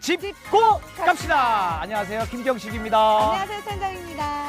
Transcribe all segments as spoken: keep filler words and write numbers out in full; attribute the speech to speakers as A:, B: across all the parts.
A: 짚고 갑시다. 안녕하세요, 김경식입니다.
B: 안녕하세요, 선장입니다.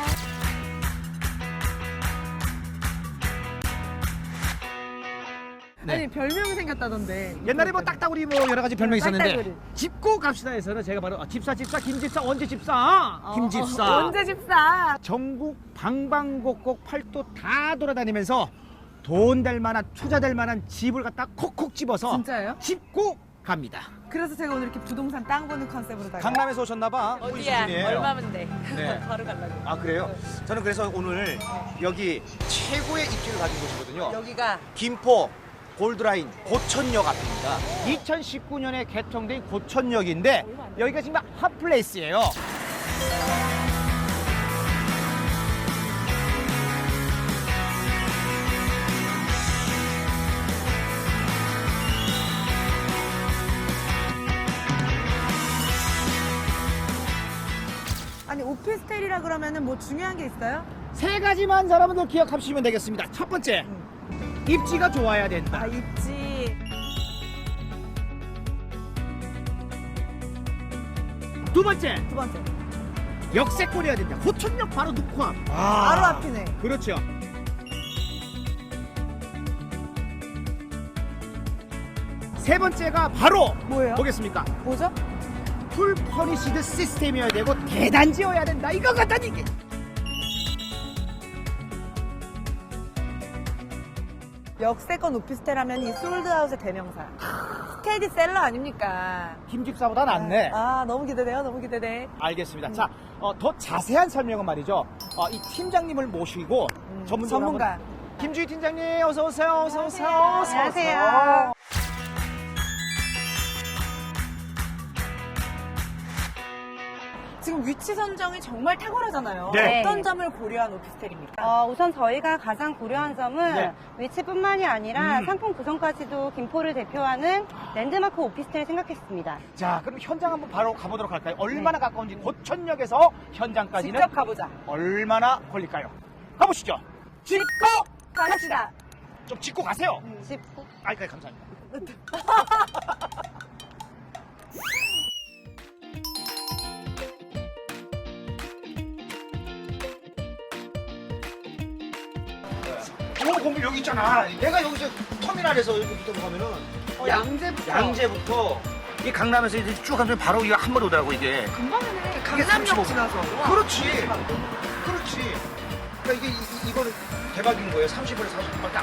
A: 네.
B: 아니 별명이 생겼다던데.
A: 옛날에 뭐 딱따구리 뭐 여러 가지 별명이 있었는데
B: 딱따구리.
A: 짚고 갑시다에서는 제가 바로 아, 집사 집사 김집사 언제 집사
B: 어,
A: 김집사
B: 어, 언제 집사?
A: 전국 방방곡곡 팔도 다 돌아다니면서 돈 될 만한 투자 될 만한 집을 갖다 콕콕 집어서
B: 진짜요?
A: 짚고 갑니다.
B: 그래서 제가 오늘 이렇게 부동산 땅 보는 컨셉으로 다녀요.
A: 강남에서 오셨나봐.
C: 어디야? 얼마면 돼?
A: 네.
C: 바로 가려고.
A: 아 그래요? 저는 그래서 오늘 여기 최고의 입지를 가진 곳이거든요.
C: 여기가
A: 김포 골드라인 고천역 앞입니다. 이천십구 년에 개통된 고천역인데 여기가 지금 핫플레이스예요.
B: 아니 오피스텔이라 그러면은 뭐 중요한 게 있어요?
A: 세 가지만 여러분들 기억하시면 되겠습니다. 첫 번째, 입지가 좋아야 된다.
B: 아 입지.
A: 두 번째,
B: 두 번째.
A: 역세권이어야 된다. 고천역 바로 넣고 앞. 아,
B: 바로 앞이네.
A: 그렇죠. 세 번째가 바로
B: 뭐예요?
A: 뭐겠습니까?
B: 뭐죠?
A: 풀 퍼니시드 시스템이어야 되고 대단지여야 된다. 이거 같다니 이게.
B: 역세권 오피스텔 하면 이 솔드아웃의 대명사. 스테디셀러 아닙니까?
A: 김집사보다 낫네.
B: 아 너무 기대돼요. 너무 기대돼.
A: 알겠습니다. 자, 어, 더 자세한 설명은 말이죠. 어, 이 팀장님을 모시고
B: 음,
A: 전문적으로
B: 전문가.
A: 한번- 김주희 팀장님 어서 오세요. 어서 오세요. 어서
B: 안녕하세요.
A: 오세요.
B: 지금 위치 선정이 정말 탁월하잖아요.
A: 네.
B: 어떤 점을 고려한 오피스텔입니까?
D: 어, 우선 저희가 가장 고려한 점은
A: 네.
D: 위치뿐만이 아니라
A: 음.
D: 상품 구성까지도 김포를 대표하는 랜드마크 오피스텔을 생각했습니다.
A: 자, 그럼 현장 한번 바로 가보도록 할까요? 얼마나 가까운지 고천역에서 현장까지는
B: 직접 가보자.
A: 얼마나 걸릴까요? 가보시죠. 짚고
B: 갑시다.
A: 좀 짚고 가세요.
D: 짚고
A: 아, 네, 감사합니다. 오, 건물 여기 있잖아. 내가 여기서 터미널에서 여기부터 가면은 어,
B: 양재부터.
A: 양재부터 이 강남에서 이제 쭉 가면 바로 이거 한 번 오더라고 이게.
B: 금방이네.
A: 삼십오
B: 강남역
A: 분.
B: 지나서.
A: 그렇지. 그렇지. 그러니까 이게 이, 이거는 대박인 거예요. 삼십 분에 사십 분밖에 안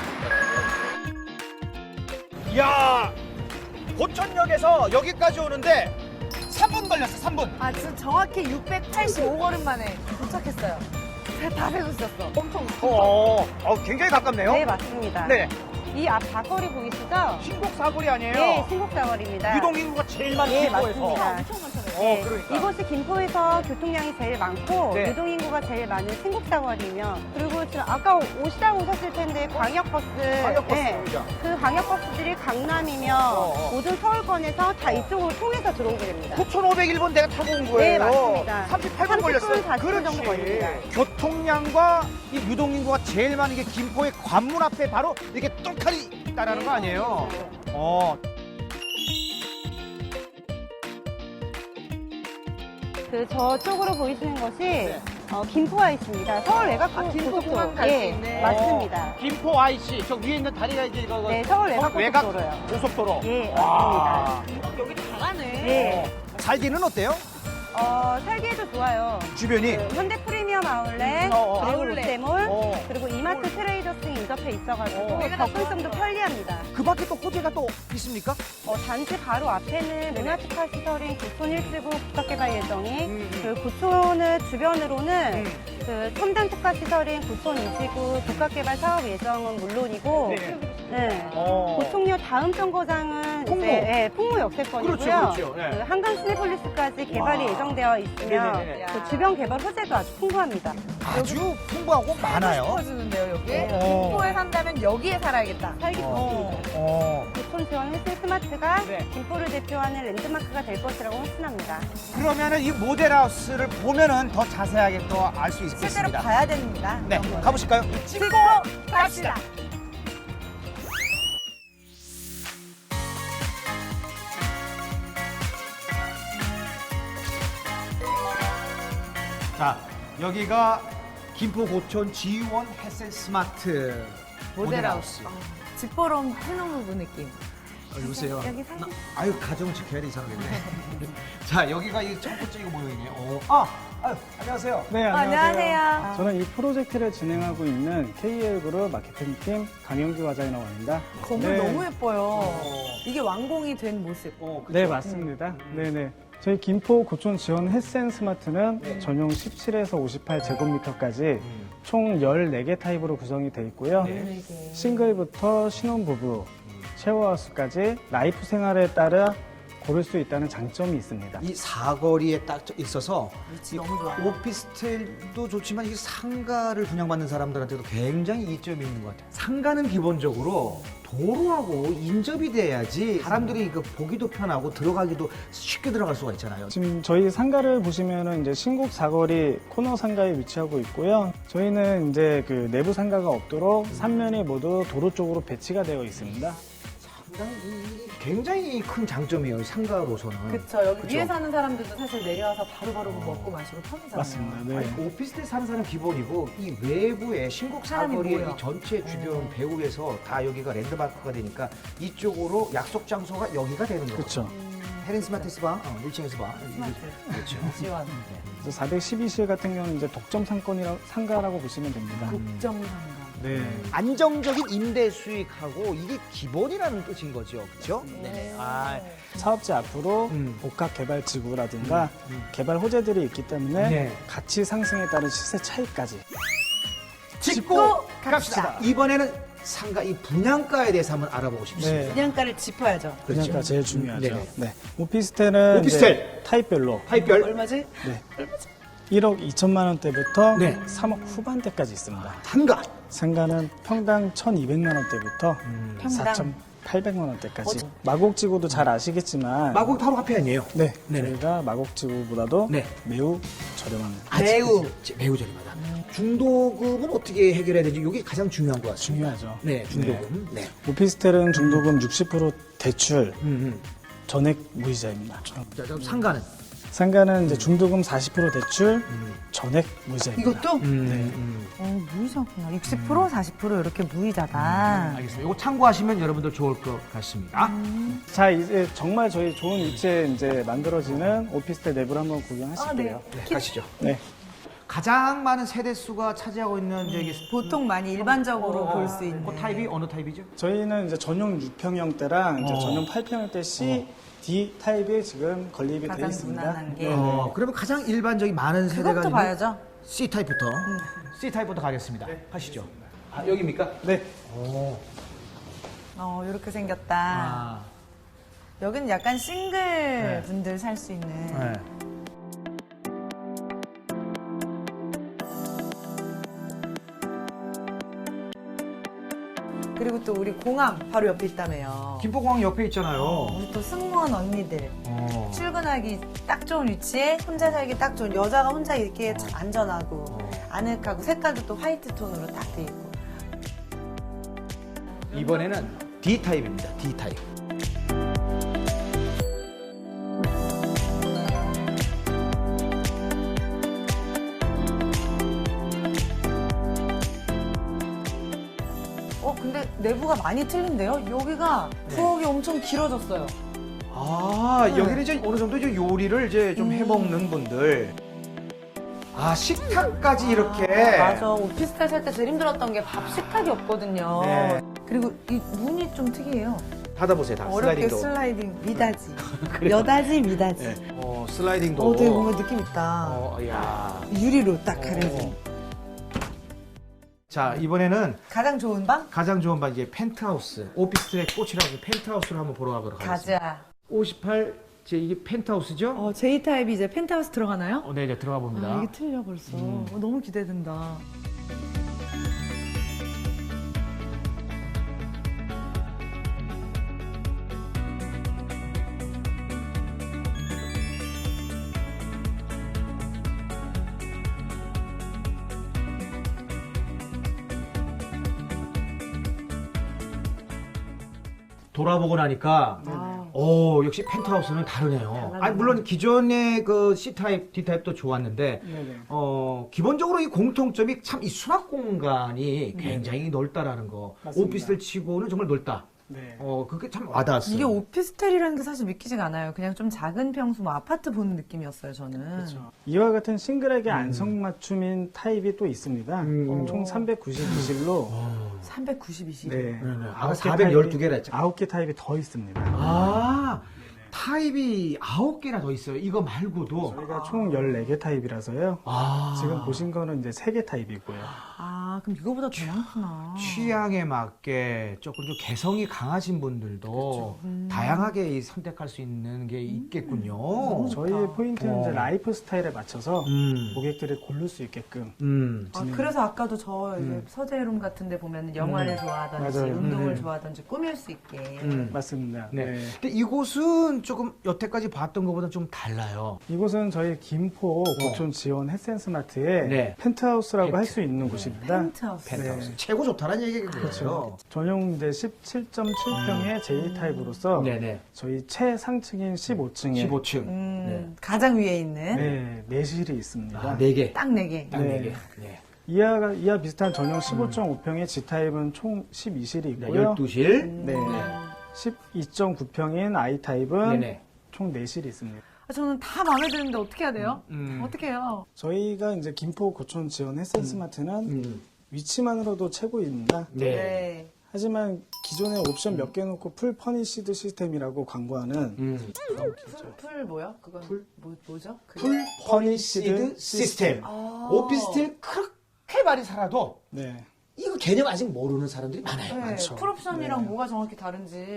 A: 걸린다. 이야, 고천역에서 여기까지 오는데 삼 분 걸렸어. 삼 분.
B: 아 지금 정확히 육백팔십오 걸음 만에 도착했어요. 제가 다 세고 있었어. 엄청.
A: 어, 어, 굉장히 가깝네요.
D: 네, 맞습니다.
A: 네.
D: 이 앞 사거리 보이시죠?
A: 신곡 사거리 아니에요?
D: 네, 신곡사거리입니다.
A: 유동 인구가 제일 많은
D: 네,
A: 김포에서.
D: 맞습니다.
B: 엄청 많잖아요.
A: 어,
D: 네,
A: 그러니까.
D: 이곳이 김포에서 교통량이 제일 많고
A: 네.
D: 유동인구가 제일 많은 신곡사거리며 그리고 지금 아까 오시다 오셨을 텐데 광역버스
A: 광역버스
D: 네,
A: 보이죠?
D: 그 광역버스들이 강남이며
A: 어, 어.
D: 모든 서울권에서 다 이쪽으로 통해서 들어오게 됩니다.
A: 구천오백일 번 내가 타고 온 거예요.
D: 네, 맞습니다.
A: 삼십팔 분
D: 삼십 분,
A: 걸렸어요.
D: 사십 분 정도 걸립니다.
A: 교통량과 이 유동인구가 제일 많은 게 김포의 관문 앞에 바로 이렇게 똘칼이 있다라는 거 아니에요? 어.
D: 그 저쪽으로 보이시는 것이
A: 네.
D: 어, 김포와 있습니다. 서울 외곽
B: 아, 김포
D: 고속도로.
B: 공항 갈수
D: 예,
B: 있네.
D: 맞습니다.
A: 어, 김포 아이씨 저 위에 있는 다리가 이제 이거
D: 네, 서울 외곽
A: 외곽
D: 고속도로요.
A: 고속도로.
D: 예,
A: 와.
B: 여기 다 가네.
D: 네.
A: 살기는 어때요?
D: 어, 살기에도 좋아요.
A: 주변이.
D: 그 현대 프리미엄 아울렛,
A: 어, 어.
D: 그리고
B: 아울렛.
D: 롯데몰,
A: 어.
D: 그리고 이마트 트레이더스 등 인접해 있어가지고
A: 어.
D: 접근성도 편리합니다.
A: 그 밖에 또 호재가 또 있습니까?
D: 어, 단지 바로 앞에는 문화특화 시설인 고촌 일 지구 국가개발 예정이
A: 음, 음.
D: 그 고촌을 주변으로는
A: 음.
D: 그 첨단 특화 시설인 고촌 이 지구 국가개발 사업 예정은 물론이고
A: 네.
D: 네.
A: 어.
D: 고총료 다음 정거장은
A: 풍무.
D: 이제 예, 풍무 역세권이고요.
A: 그렇죠, 그렇죠. 네.
D: 그 한강 시내폴리스까지 개발이
A: 와.
D: 예정되어 있으며
A: 네네네.
D: 그 주변 개발 호재도 아주 풍부합니다.
A: 아주 풍부하고 많아요.
B: 싶어지는데요 여기.
A: 어.
B: 김포에 산다면 여기에 살아야겠다.
D: 살기
A: 어.
D: 좋습니다.
A: 어.
D: 고촌 지원 헬스 스마트가
A: 네.
D: 김포를 대표하는 랜드마크가 될 것이라고 확신합니다.
A: 그러면은 이 모델하우스를 보면은 더 자세하게 또 알 수
B: 실제로
A: 있겠습니다.
B: 봐야 됩니다.
A: 네, 가보실까요?
B: 찍고 갑시다.
A: 여기가 김포 고촌 지원 햇센 스마트
B: 모델하우스. 집 보러 온 신혼부부 느낌.
A: 어, 여보세요.
B: 여기 살짝-
A: 나- 아유 가정을 지켜야 돼 이상하겠네. 자 여기가 이 첫 번째 이거 모여있네요. 어. 아, 아유, 안녕하세요.
C: 네,
B: 어,
C: 안녕하세요.
B: 안녕하세요.
C: 저는 이 프로젝트를 진행하고 있는 케이엘그룹 마케팅팀 강영규 과장이라고 합니다.
B: 건물
C: 네.
B: 너무 예뻐요.
A: 어.
B: 이게 완공이 된 모습.
A: 어, 그쵸?
C: 네, 맞습니다. 네, 네. 저희 김포 고촌 지원 햇센 스마트는
A: 네.
C: 전용 십칠에서 오십팔 제곱미터까지
A: 음.
C: 총 열네 개 타입으로 구성이 되어 있고요.
A: 네.
C: 싱글부터 신혼부부, 쉐어하우스까지 라이프 생활에 따라 고를 수 있다는 장점이 있습니다.
A: 이 사거리에 딱 있어서
B: 위치
A: 이
B: 너무 좋아.
A: 오피스텔도 좋지만 이게 상가를 분양받는 사람들한테도 굉장히 이점이 있는 것 같아요. 상가는 기본적으로 도로하고 인접이 돼야지 사람들이 그 보기도 편하고 들어가기도 쉽게 들어갈 수가 있잖아요.
C: 지금 저희 상가를 보시면은 이제 신곡 사거리 코너 상가에 위치하고 있고요. 저희는 이제 그 내부 상가가 없도록 삼면이 모두 도로 쪽으로 배치가 되어 있습니다.
A: 상당히 이- 굉장히 큰 장점이에요, 이 상가로서는.
B: 그쵸. 여기
A: 그쵸?
B: 위에 사는 사람들도 사실 내려와서 바로바로 먹고 마시고 편하잖아요.
C: 맞습니다. 네.
A: 아니, 오피스텔 사는 사람 기본이고 이 외부에 신곡
B: 사람이
A: 사거리의
B: 모여.
A: 이 전체 주변 배후에서 다 여기가 랜드마크가 되니까 이쪽으로 약속 장소가 여기가 되는 거죠.
C: 그렇죠.
A: 헤린 스마트스 바, 어, 일 층에서 봐.
B: 스마트.
A: 그렇죠.
B: 지원.
C: 그래서 사백십이 실 같은 경우는 이제 독점 상권이라 상가라고 보시면 됩니다.
B: 국정상가.
C: 네.
A: 안정적인 임대 수익하고 이게 기본이라는 뜻인 거죠, 그렇죠? 네네. 아,
C: 사업지 앞으로
A: 음.
C: 복합 개발 지구라든가
A: 음.
C: 개발 호재들이 있기 때문에
A: 네.
C: 가치 상승에 따른 시세 차이까지
A: 짚고 갑시다. 이번에는 상가 이 분양가에 대해서 한번 알아보고 싶습니다.
C: 네.
B: 분양가를 짚어야죠.
C: 분양가 제일 중요하죠.
A: 네.
C: 네. 오피스텔은
A: 오피스텔.
C: 이제 타입별로
A: 타입별
B: 얼마지?
C: 네. 일억 이천만 원대부터
A: 네.
C: 삼억 후반대까지 있습니다.
A: 상가.
C: 상가는 평당 천이백만 원대부터
B: 평당.
C: 사천팔백만 원대까지.
B: 어?
C: 마곡지구도 잘 아시겠지만
A: 마곡 바로 앞에 아니에요?
C: 네,
A: 네네.
C: 저희가 마곡지구보다도
A: 네.
C: 매우 저렴한
A: 매우 매우 저렴하다. 중도금은 어떻게 해결해야 되는지 이게 가장 중요한 것 같습니다.
C: 중요하죠.
A: 네, 중도금. 네.
C: 오피스텔은 중도금 육십 퍼센트 대출,
A: 음, 음.
C: 전액 무이자입니다.
A: 자, 그럼 상가는
C: 상가는 이제 중도금 사십 퍼센트 대출, 전액 무이자입니다.
B: 이것도?
A: 음,
C: 네.
A: 음.
B: 어, 무이자구나. 육십 퍼센트, 사십 퍼센트 이렇게 무이자다.
A: 알겠습니다. 이거 참고하시면 여러분들 좋을 것 같습니다.
C: 자, 이제 정말 저희 좋은 위치에 이제 만들어지는 오피스텔 내부를 한번 구경하실게요.
A: 네, 가시죠.
C: 네.
A: 가장 많은 세대 수가 차지하고 있는 이제 이게
B: 보통 많이 일반적으로 볼 수 있는.
A: 그 타입이 어느 타입이죠?
C: 저희는 이제 전용 육 평형대랑 이제
A: 어.
C: 전용 팔 평형대 C, D 타입이 지금 건립이 되어
B: 가장
C: 있습니다.
B: 무난한 게.
A: 어, 그러면 가장 일반적인 많은 세대가
B: 그것도
A: 있는
B: 봐야죠.
A: C 타입부터 C 타입부터 가겠습니다. 가시죠. 아, 여기입니까?
C: 네.
A: 오.
B: 어, 이렇게 생겼다.
A: 아.
B: 여기는 약간 싱글
A: 네.
B: 분들 살 수 있는.
A: 네.
B: 그리고 또 우리 공항 바로 옆에 있다며요.
A: 김포공항 옆에 있잖아요.
B: 우리 또 승무원 언니들.
A: 어.
B: 출근하기 딱 좋은 위치에 혼자 살기 딱 좋은 여자가 혼자 있기에 참 안전하고
A: 어.
B: 아늑하고 색깔도 또 화이트 톤으로 딱 돼 있고.
A: 이번에는 D 타입입니다. D 타입.
B: 어 근데 내부가 많이 틀린데요? 여기가
A: 네.
B: 부엌이 엄청 길어졌어요.
A: 아,
B: 네.
A: 여기는 이제 어느 정도 이제 요리를 이제 좀 해먹는 분들. 아, 식탁까지 이렇게.
B: 맞아. 오피스텔 살 때 제일 힘들었던 게 밥 식탁이 없거든요.
A: 네.
B: 그리고 이 문이 좀 특이해요.
A: 닫아보세요, 다.
B: 어렵게
A: 슬라이딩도.
B: 슬라이딩 미닫이. 여닫이 미닫이.
A: 네. 어, 슬라이딩도.
B: 어, 되게 뭔가 느낌 있다.
A: 어, 야.
B: 유리로 딱 가려진.
A: 자, 이번에는
B: 가장 좋은 방?
A: 가장 좋은 방 이제 펜트하우스. 오피스텔의 꽃이라고 펜트하우스를 한번 보러 가도록 하겠습니다.
B: 가자.
A: 오십팔, 제 이게 펜트하우스죠?
B: 어, J타입이 이제 펜트하우스 들어가나요?
A: 어, 네, 이제 들어가 봅니다.
B: 아, 이게 틀려 벌써.
A: 음.
B: 어, 너무 기대된다.
A: 돌아보고 나니까
B: 아,
A: 오, 역시 펜트하우스는 다르네요. 아니, 물론 기존의 그 C타입, D타입도 좋았는데,
C: 네네.
A: 어, 기본적으로 이 공통점이 참 이 수납 공간이
C: 네.
A: 굉장히 넓다라는 거.
C: 맞습니다.
A: 오피스텔 치고는 정말 넓다.
C: 네.
A: 어, 그게 참 와닿았어요.
B: 이게 오피스텔이라는 게 사실 믿기지가 않아요. 그냥 좀 작은 평수, 뭐 아파트 보는 느낌이었어요, 저는.
C: 그렇죠. 이와 같은 싱글에게 안성맞춤인 타입이 또 있습니다.
A: 음.
C: 총 삼백구십이 실로
B: 삼백구십이 실.
C: 네.
A: 네네. 아까
C: 아홉 개
A: 사백십이 개라 했죠.
C: 아홉 개 타입이 더 있습니다.
A: 아, 타입이 아홉 개나 더 있어요. 이거 말고도.
C: 저희가 총 열네 개 타입이라서요.
A: 아,
C: 지금 보신 거는 이제 세 개 타입이고요.
B: 아, 그럼 이거보다 더 많구나.
A: 취향에 맞게 조금 좀 개성이 강하신 분들도 다양하게 이 선택할 수 있는 게 있겠군요.
C: 저희의 포인트는 이제
A: 어.
C: 라이프 스타일에 맞춰서
A: 음,
C: 고객들이 고를 수 있게끔
A: 음.
B: 아, 그래서 아까도 저 이제
A: 음.
B: 서재룸 같은 데 보면 영화를 좋아하든지
C: 맞아요.
B: 운동을
A: 음.
B: 좋아하든지 꾸밀 수 있게.
A: 음.
C: 맞습니다.
A: 네.
C: 네.
A: 근데 이곳은 조금 여태까지 봤던 것보다 좀 달라요.
C: 이곳은 저희 김포 고촌 지원 햇센스마트의
A: 네.
C: 펜트하우스라고
A: 펜트.
C: 할 수 있는 곳입니다.
B: 펜트하우스.
A: 펜트하우스.
C: 네.
A: 최고 좋다는 얘기겠죠.
C: 그렇죠. 전용 이제 십칠 점 칠 평의 제이 타입으로서
A: 네네.
C: 저희 최상층인 십오 층에
A: 십오 층.
B: 음,
A: 네.
B: 가장 위에 있는
C: 네, 내실이 있습니다.
A: 아, 네 개.
B: 딱 네 개.
A: 딱 네
C: 네.
A: 개. 네.
C: 이하가 이하 비슷한 전용 십오 점 오 평의 G 타입은 총 십이 실이
A: 네,
C: 있고요.
A: 열두 실.
C: 네. 십이 점 구 평인 I 타입은
A: 네네.
C: 총 네 실이 있습니다.
B: 아, 저는 다 마음에 드는데 어떻게 해야 돼요?
A: 음.
B: 어떻게 해요?
C: 저희가 이제 김포 고촌 지원 햇센스마트는
A: 음.
C: 위치만으로도 최고입니다.
A: 네.
C: 하지만 기존에 옵션 몇 개 놓고 풀 퍼니시드 시스템이라고 광고하는
A: 음.
B: 풀, 풀 뭐야? 그건
A: 풀?
B: 뭐, 뭐죠? 그게?
A: 풀 퍼니시드 시스템.
B: 아.
A: 오피스텔 그렇게 많이 살아도
C: 네.
A: 이거 개념 아직 모르는 사람들이 많아요.
B: 네,
C: 많죠.
B: 풀옵션이랑
C: 네.
B: 뭐가 정확히 다른지. 네.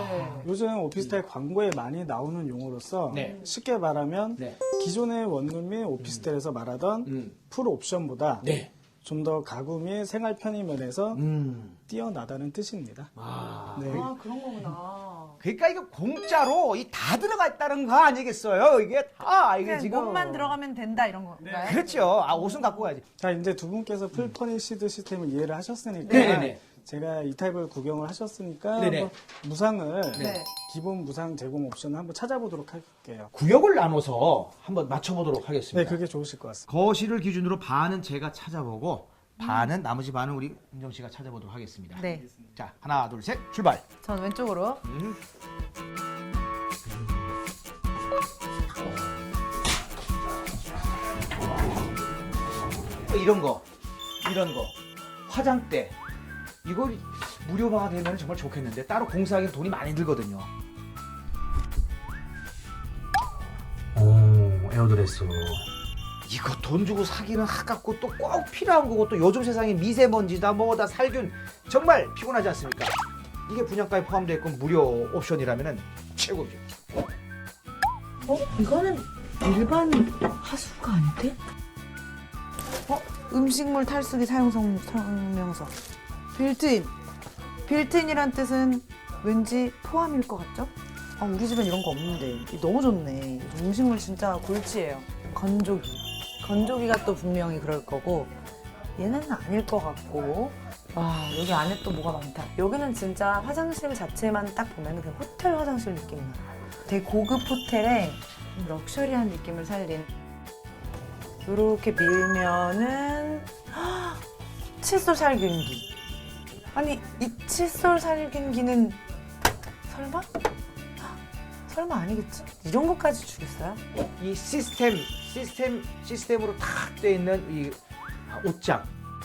C: 요즘 오피스텔 광고에 많이 나오는 용어로서
A: 네.
C: 쉽게 말하면
A: 네.
C: 기존의 원룸 및 오피스텔에서 말하던
A: 음.
C: 풀 옵션보다
A: 네.
C: 좀 더 가구 및 생활 편의 면에서
A: 음.
C: 뛰어나다는 뜻입니다.
A: 아.
C: 네.
B: 아, 그런 거구나.
A: 그러니까 이거 공짜로 이 다 들어가 있다는 거 아니겠어요? 이게 다 이게
B: 그냥
A: 지금
B: 몸만 들어가면 된다 이런 건가요?
A: 그렇죠. 아 옷은 갖고 가야지.
C: 자, 이제 두 분께서 풀 퍼니시드 시스템을 이해를 하셨으니까
A: 네네네.
C: 제가 이 타입을 구경을 하셨으니까
A: 네네.
C: 한번 무상을
B: 네.
C: 기본 무상 제공 옵션을 한번 찾아보도록 할게요.
A: 구역을 나눠서 한번 맞춰보도록 하겠습니다.
C: 네, 그게 좋으실 것 같습니다.
A: 거실을 기준으로 반은 제가 찾아보고 반은 나머지 반은 우리 은정 씨가 찾아보도록 하겠습니다.
B: 네.
A: 자 하나 둘 셋 출발.
B: 전 왼쪽으로.
A: 음. 이런 거, 이런 거, 화장대 이거 무료화가 되면 정말 좋겠는데 따로 공사하기 돈이 많이 들거든요. 오, 에어드레스. 이거 돈 주고 사기는 아깝고 또 꼭 필요한 거고 또 요즘 세상에 미세먼지다 뭐다 살균 정말 피곤하지 않습니까? 이게 분양가에 포함되어 있고 무료 옵션이라면 최고죠.
B: 어? 이거는 일반 하수구가 아닌데? 어? 음식물 탈수기 사용 성- 설명서. 빌트인. 빌트인이란 뜻은 왠지 포함일 것 같죠? 아, 우리 집엔 이런 거 없는데. 이거 너무 좋네. 음식물 진짜 골치예요. 건조기. 건조기가 또 분명히 그럴 거고, 얘는 아닐 것 같고. 와, 여기 안에 또 뭐가 많다. 여기는 진짜 화장실 자체만 딱 보면 그냥 호텔 화장실 느낌이 나요. 되게 고급 호텔에 럭셔리한 느낌을 살린. 이렇게 밀면은 헉, 칫솔 살균기. 아니, 이 칫솔 살균기는 설마? 헉, 설마 아니겠지? 이런 것까지 주겠어요?
A: 이 시스템 시스템 시스템으로 탁 돼 있는 이 옷장.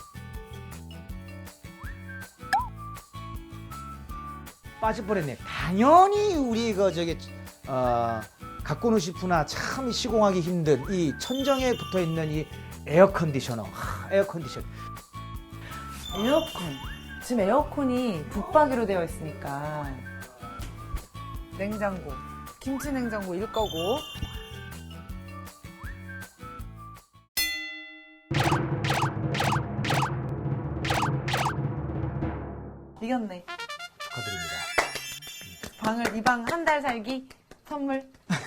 A: 빠질 뻔했네. 당연히 우리 그 저기 어, 가꾸노 시푸나 참 시공하기 힘든 이 천정에 붙어 있는 이 에어 컨디셔너. 하, 에어 컨디션.
B: 에어컨. 지금 에어컨이 붙박이로 되어 있으니까. 냉장고. 김치 냉장고일 거고. 이겼네.
A: 축하드립니다.
B: 방을 이 방 한 달 살기 선물.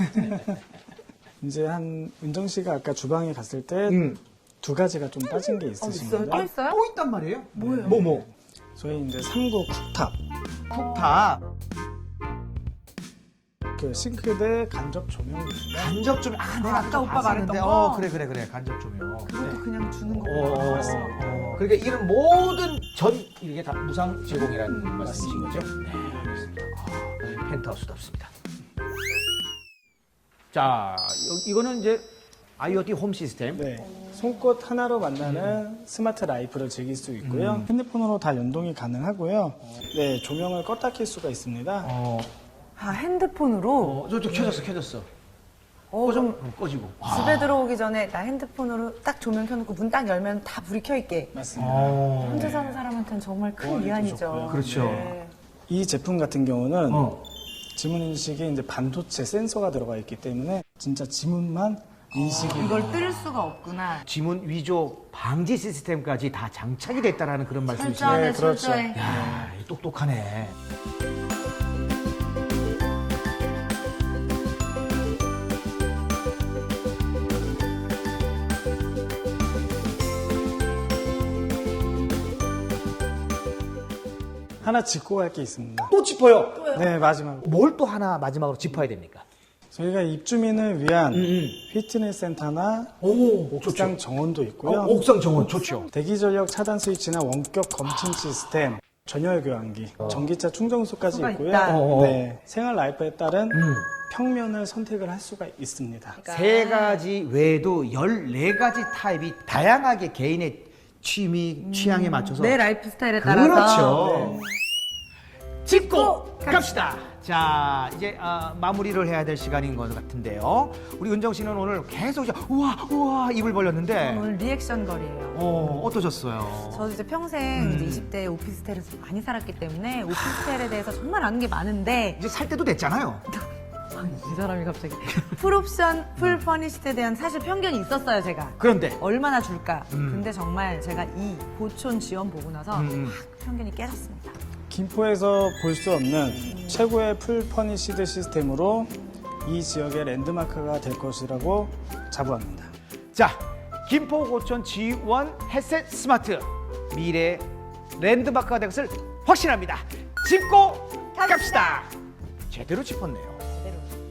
C: 이제 한 은정 씨가 아까 주방에 갔을 때 두
A: 음.
C: 가지가 좀 빠진 게
B: 어,
C: 있으십니다.
B: 있어요? 또 있어요?
A: 또 있단 말이에요?
B: 뭐예요?
A: 뭐 뭐?
C: 저희 이제 삼 구 쿡탑.
A: 쿡탑.
C: 그 싱크대 간접 조명입니다.
A: 간접 조명. 아, 내가
B: 아까
A: 아까
B: 오빠
A: 봤었는데.
B: 말했던 거?
A: 어, 그래 그래 그래. 간접 조명.
B: 그것도 그냥 주는 거.
A: 어, 어, 어. 그러니까 이런 모든 전 이게 다 무상 제공이라는 말씀이신 거죠? 네, 알겠습니다. 아, 펜트하우스답습니다. 자, 여- 이거는 이제 아이오티 홈 시스템.
C: 네. 손끝 하나로 만나는 스마트 라이프를 즐길 수 있고요.
A: 음.
C: 핸드폰으로 다 연동이 가능하고요. 네, 조명을 껐다 켤 수가 있습니다.
A: 어,
B: 아, 핸드폰으로?
A: 어, 저, 저 켜졌어, 켜졌어.
B: 어,
A: 꺼져,
B: 좀
A: 어, 꺼지고.
B: 집에 들어오기 전에 나 핸드폰으로 딱 조명 켜놓고 문 딱 열면 다 불이 켜있게.
C: 맞습니다.
A: 어,
B: 혼자 사는 사람한테는 정말 큰
C: 보안이
B: 위안이죠.
C: 좋고요.
A: 그렇죠.
B: 네.
C: 이 제품 같은 경우는
A: 어.
C: 지문 인식에 이제 반도체 센서가 들어가 있기 때문에 진짜 지문만 인식이
B: 이걸 뜰 수가 없구나.
A: 지문 위조 방지 시스템까지 다 장착이 됐다라는 그런 말씀이시네요.
B: 철저하네,
C: 네, 그렇죠.
B: 철저해.
A: 야, 똑똑하네.
C: 하나 짚고 갈 게 있습니다.
A: 또 짚어요.
C: 네, 마지막.
A: 뭘 또 하나 마지막으로 짚어야 됩니까?
C: 저희가 입주민을 위한
A: 음.
C: 피트니스 센터나
A: 오,
C: 옥상 정원도 있고요.
A: 어, 옥상 정원 좋죠.
C: 대기 전력 차단 스위치나 원격 검침 시스템, 전열 교환기, 전기차 충전소까지
B: 수가
C: 있고요.
B: 있다.
A: 어, 어.
C: 네, 생활 라이프에 따른
A: 음.
C: 평면을 선택을 할 수가 있습니다.
B: 그러니까
A: 세 가지 외에도 열네 가지 타입이 다양하게 개인의 취미, 취향에 맞춰서
B: 내 라이프 스타일에 따라서.
A: 그렇죠. 짚고 갑시다. 자, 이제 아, 마무리를 해야 될 시간인 것 같은데요. 우리 은정 씨는 오늘 계속 이제 우와 우와 입을 벌렸는데
B: 오늘 리액션 거리예요.
A: 어, 어떠셨어요?
B: 저도 이제 평생 이제 이십 대 오피스텔에서 많이 살았기 때문에 오피스텔에 대해서 정말 아는 게 많은데
A: 이제 살 때도 됐잖아요.
B: 이 사람이 갑자기 풀옵션, 풀 퍼니시드에 대한 사실 편견이 있었어요, 제가.
A: 그런데
B: 얼마나 줄까?
A: 음.
B: 근데 정말 제가 이 보촌 지원 보고 나서
A: 음, 음.
B: 확 편견이 깨졌습니다.
C: 김포에서 볼 수 없는 최고의 풀 퍼니시드 시스템으로 이 지역의 랜드마크가 될 것이라고 자부합니다.
A: 자, 김포고촌 지원 햇셋 스마트 미래 랜드마크가 될 것을 확신합니다. 짚고 갑시다. 제대로 짚었네요.
B: 제대로.